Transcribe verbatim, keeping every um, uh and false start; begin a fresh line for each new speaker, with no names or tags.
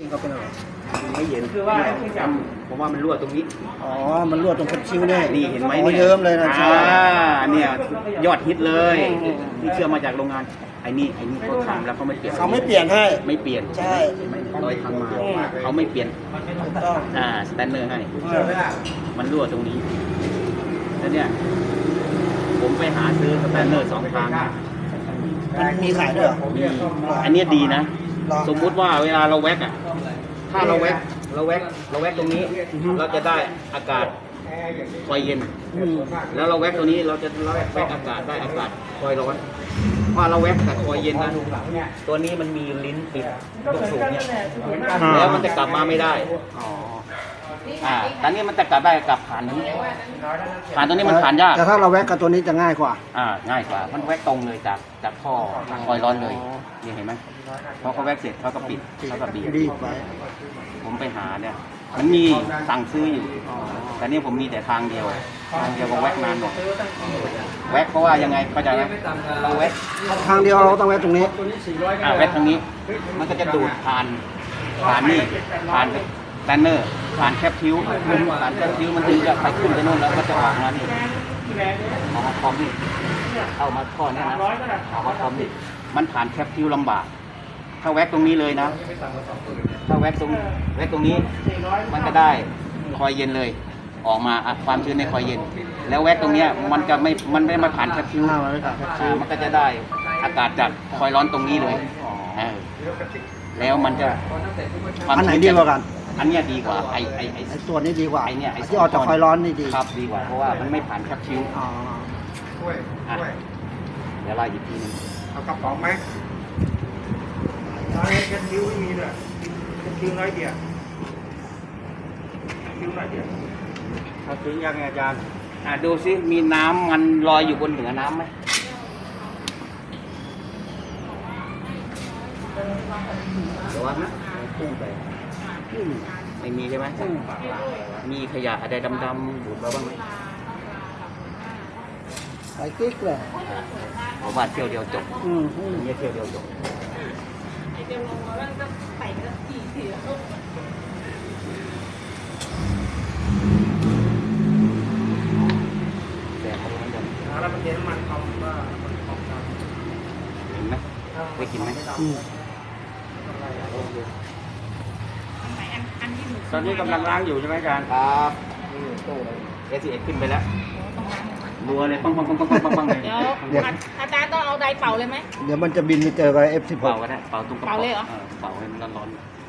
เขาเป็นอะไร
ไม่เห็นคือว่าผมว่ามันรั่วตรงนี้
อ๋อมันรั่วตรงคันคิ้วเนี่ย
นี่เห็นไหม
เนี่ยเยิ้มเลยนะใช่
เนี่ยยอดฮิตเลยที่เชื่อมาจากโรงงานไอ้นี่ไอ้นี่เขาทำแล้วเขาไม่เปลี่ยน
เขาไม่เปลี่ยนให้
ไม่เปลี่ยน
ใช่
โดยทำมาเขาไม่เปลี่ยนอ่าสแตนเนอร์ให้มันรั่วตรงนี้แล้วเนี่ยผมไปหาซื้อสแตนเนอร์สองทาง
มันมีขายด้วยเหรอ
มีอันนี้ดีนะสมมุติว่าเวลาเราแว็กอ่ะถ้าเราแว็กเราแว็กเราแว็กตรงนี้เราจะได้อากาศคอยเย็นแล้วเราแว็กตัวนี้เราจะแว็กอากาศได้อากาศคอยร้อนพอเราแว็กแต่คอยเย็นนะตัวนี้มันมีลิ้นปิดลูกสูบเนี่ยแล้วมันจะกลับมาไม่ได้อ่าตอนนี้มันจะกลับได้กลับผ่านนี้ผ่านตัวนี้มันผ่านยาก
แต่ถ้าเราแว็กกับตัวนี้จะง่ายกว่า
อ่าง่ายกว่ามันแว็กตรงเลยจากจากท่อคอยร้อนเลยนี่เห็นไหมพอเขาแว็กเสร็จเขาก็ปิดเขาก็บีบ
รีบไว้
ผมไปหาเนี่ยมันมีสั่งซื้ออยู่แต่นี่ผมมีแต่ทางเดียวทางเดียวก็แว็กนานหน่อยแว็กเพราะว่ายังไงเข้าใจไหมเราแว็ก
ทางเดียวเราต้องแว็กตรงนี้
อ่าแว็กทางนี้มันก็จะดูดผ่านผ่านนี่ผ่านแตนเนอร์ผ่านแคปคิ้วผ่านแคปคิ้วมันถึงจะไปขึ้นไปโน่นแล้วก็จะออกมานี่ออกมาพร้อมนี่เอามาข้อนี้นะออกมาพร้อมนี่มันผ่านแคปคิ้วลำบากถ้าแว็กตรงนี้เลยนะถ้าแว็กตรงแว็กตรงนี้มันก็ได้คอยเย็นเลยออกมาความชื้นในคอยเย็นแล้วแว็กตรงนี้มันจะไม่มันไม่มาผ่านแคปคิ้วมันก็จะได้อากาศจากคอยร้อนตรงนี้เลยแล้วมันจะ
อันไหนดีกว่ากัน
อันนี้ดีกว่าไอไอไอ
ส่วนนี้ดีกว่า
ไอเนี่ย
ที่ออกจากคอยร้อนนี่ดี
ครับดีกว่าเพราะว่ามันไม่ผ่านแคปคิ้วเดี๋ยวไล่อีกทีนึง
เอากระป๋องไหมน้อยแค่คิ้วไม่มีเลยแค่คิ้วน้อยเดียวคิ้วน้อยเดียวเอาถึงยังไงอาจารย์
อ่าดูซิมีน้ำมันลอยอยู่บนเหนือน้ำไหมเดี๋ยวนะพุ่งไปไม่มีใช่ไหมมีขยะอะไรดำๆดูดมาบ้างไหม
ใส่กิ๊กเลย
ผมว่าเที่ยวเดียวจบ
อืม
นี่เที่ยวเดียวจบ
ไอเดียวลงมาแล้วก็ใส่ก็กี่ทีแล้ว
แต่เขาไม่ยอม
แล้วมันเย็นมันเขาว่ามันของเรา
เห็นไหมได้กินไหม
ตอนนี้กำลังล้างอยู่ใช่ไหมอาจารย์
ครับเอสเอ็ดขึ้นไปแล้วรัวเลยปังปังปังปังปังปังเลย
เดี๋ยวอาจารย์ต้องเอาไดเป่าเลยไหม
เดี๋ยวมันจะบินไปเจอกับเอฟสิบ
เป่าก็ได้เป่าตรงกระ
เป่าเลยเหรอ
เป่าให้มันร้อนๆ